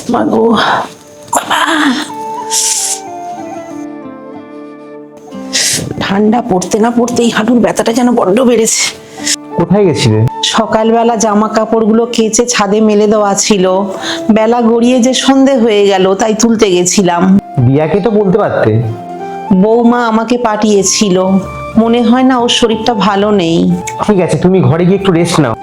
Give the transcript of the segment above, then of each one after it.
মাগো ঠান্ডা পড়তে না পড়তেই হাঁটুর ব্যথাটা যেন বড্ড বেড়েছে। কোথায় গেছিলে? সকালবেলা জামা কাপড়গুলো কেচে ছাদে মেলে দেওয়া ছিল, বেলা গড়িয়ে যে সন্ধে হয়ে গেল তাই তুলতে গেছিলাম। দিয়াকে তো বলতে পারতে। বৌমা আমাকে পাঠিয়েছিল, মনে হয় না ওর শরীরটা ভালো নেই। ঠিক আছে, তুমি ঘরে গিয়ে একটু রেস্ট নাও।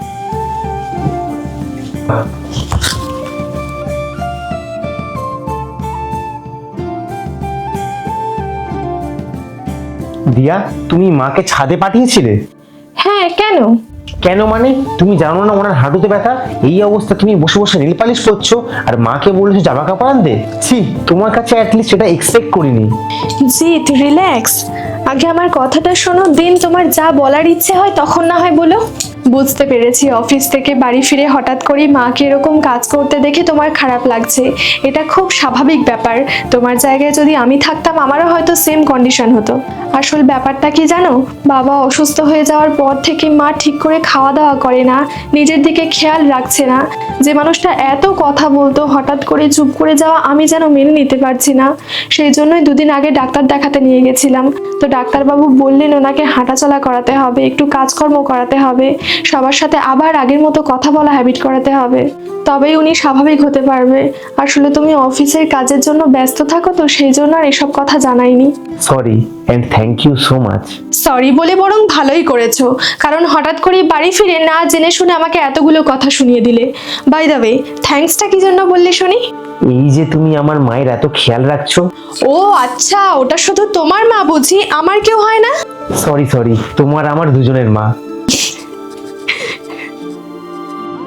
দিয়া, তুমি মাকে ছাদে পাঠিয়েছিলে? হ্যাঁ, কেন? কেন মানে? তুমি জানো না ওনার হাঁটুতে ব্যথা? এই অবস্থা তুমি বসে বসে নীল পালিশ করছো আর মাকে বলেছো জামা কাপড় আনতে? ছি, তোমার কাছে অ্যাটলিস্ট এটা এক্সপেক্ট করিনি। জিৎ, রিল্যাক্স। আগে আমার কথাটা শোনো, দিন তোমার যা বলার ইচ্ছে হয় তখন না হয় বলো। বুঝতে পেরেছি অফিস থেকে বাড়ি ফিরে হঠাৎ করেই মাকে এরকম কাজ করতে দেখে তোমার খারাপ লাগছে। এটা খুব স্বাভাবিক ব্যাপার। তোমার জায়গায় যদি আমি থাকতাম আমারও হয়তো সেম কন্ডিশন হতো। আসল ব্যাপারটা কি জানো, বাবা অসুস্থ হয়ে যাওয়ার পর থেকে মা ঠিক করে খাওয়া দাওয়া করে না, নিজের দিকে খেয়াল রাখছে না। যে মানুষটা এত কথা বলতো হঠাৎ করে চুপ করে যাওয়া আমি যেন মেনে নিতে পারছি না। সেই জন্যই দুদিন আগে ডাক্তার দেখাতে নিয়ে গেছিলাম। তো ডাক্তারবাবু বললেন ওনাকে হাঁটাচলা করাতে হবে, একটু কাজকর্ম করাতে হবে, সবার সাথে আবার আগের মতো কথা বলা হ্যাবিট করাতে হবে, তবেই উনি স্বাভাবিক হতে পারবে। আসলে তুমি অফিসের কাজের জন্য ব্যস্ত থাকো, তো সেই জন্য আর এসব কথা জানাইনি। Sorry and thank you so much. Sorry বলে বরং ভালোই করেছো, কারণ হঠাৎ করে বাড়ি ফিরে না জেনে শুনে আমাকে এতগুলো কথা শুনিয়ে দিলে। বাই দ্য ওয়ে, থ্যাঙ্কসটা কি জন্য বললে শুনি? এই যে তুমি আমার মায়ের এত খেয়াল রাখছো। ও আচ্ছা, ওটা শুধু তোমার মা বুঝি, আমার কেউ হয় না? সরি, তোমার আমার দুজনের মা।